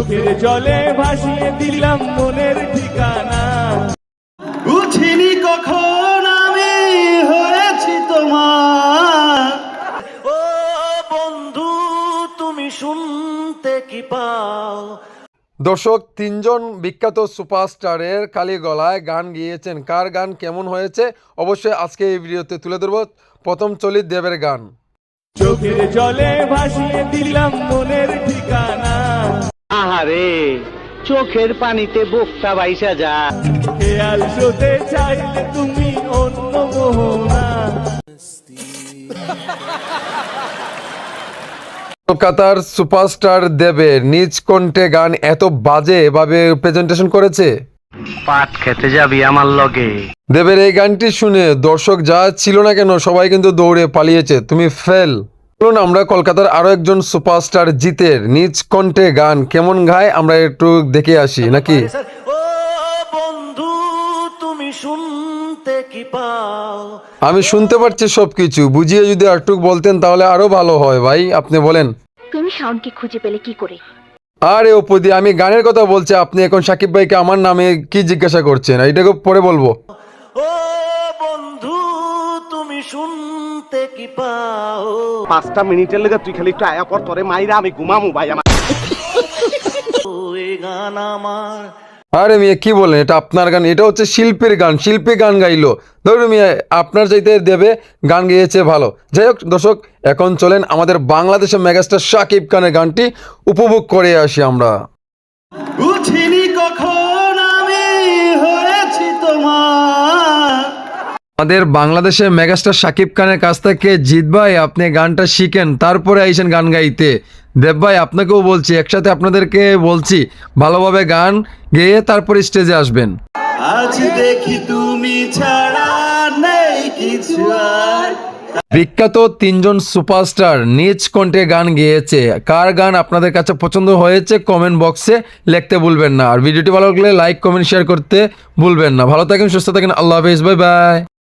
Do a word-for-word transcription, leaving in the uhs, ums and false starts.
চোখের জলে ভাসিয়ে দিলাম মনের ঠিকানা। বুঝিনি কখন আমি হয়েছি তোমার। ও বন্ধু তুমি শুনতে কি পাও? দর্শক, তিনজন বিখ্যাত সুপারস্টারের খালি গলায় গান গিয়েছেন। কার গান কেমন হয়েছে অবশ্যই আজকে এই ভিডিওতে তুলে ধরব। প্রথম চলি দেবের গান। চোখের জলে ভাসিয়ে দিলাম মনের ঠিকানা। আহারে চোখের পানিতে বোকটা বাইসা যা। খেয়াল শোতে চাইলে তুমি অন্য মোহনা। কলকাতার সুপারস্টার দেবের নিজ কণ্ঠে গান এত বাজে ভাবে প্রেজেন্টেশন করেছে। পাট খেতে যাবি আমার লগে? দেবের এই গানটি শুনে দর্শক যা ছিল না কেন সবাই কিন্তু দৌড়ে পালিয়েছে। তুমি ফেল। চলুন আমরা কলকাতার আরো একজন সুপারস্টার জিতের নিজ কণ্ঠে গান কেমন গায় আমরা একটু দেখে আসি নাকি। ও বন্ধু তুমি শুনতে কি পাও? আমি শুনতে পারছি সবকিছু, বুঝিয়ে যদি আরটুক বলতেন তাহলে আরো ভালো হয় ভাই, আপনি বলেন। তুমি শাওনকে খুঁজে পেলে কি করে? আরে অপুদি, আমি গানের কথা বলছি, আপনি এখন সাকিব ভাইকে আমার নামে কি জিজ্ঞাসা করছেন? এইটাকে পরে বলবো। ও বন্ধু তুমি শুনতে কি পাও? পাঁচটা মিনিটের লেগে তুই খালি একটু আয়া পর তোরে মাইরা আমি ঘুমামু ভাই আমার। ও এই গান আমার। আরে মিয়া কি বলেন, এটা আপনার গান, এটা হচ্ছে শিল্পীর গান, শিল্পী গান গাইলো। ধরুন মিয়া আপনার চাইতে দেবে গান গেয়েছে ভালো। যাই হোক দর্শক, এখন চলেন আমাদের বাংলাদেশের মেগাস্টার শাকিব খানের গানটি উপভোগ করে আসি আমরা। বুঝিনি কখন আমি হয়েছি তোমার। আমাদের বাংলাদেশের মেগাস্টার শাকিব খানের কাছ থেকে জিত ভাই আপনি গানটা শিখেন, তারপরে আইসেন গান গাইতে। দেব ভাই আপনাকেও বলছি, একসাথে আপনাদেরকে বলছি ভালোভাবে গান গেয়ে তারপর স্টেজে আসবেন। আজ দেখি তুমি ছাড়া নেই কিছু আর। বিখ্যাত তিনজন সুপারস্টার নিজ কণ্ঠে গান গেয়েছে। কার গান আপনাদের কাছে পছন্দ হয়েছে কমেন্ট বক্সে লিখতে ভুলবেন না। আর ভিডিওটি ভালো লাগলে লাইক কমেন্ট শেয়ার করতে ভুলবেন না। ভালো থাকেন, সুস্থ থাকেন, আল্লাহ হাফেজ, বাই বাই।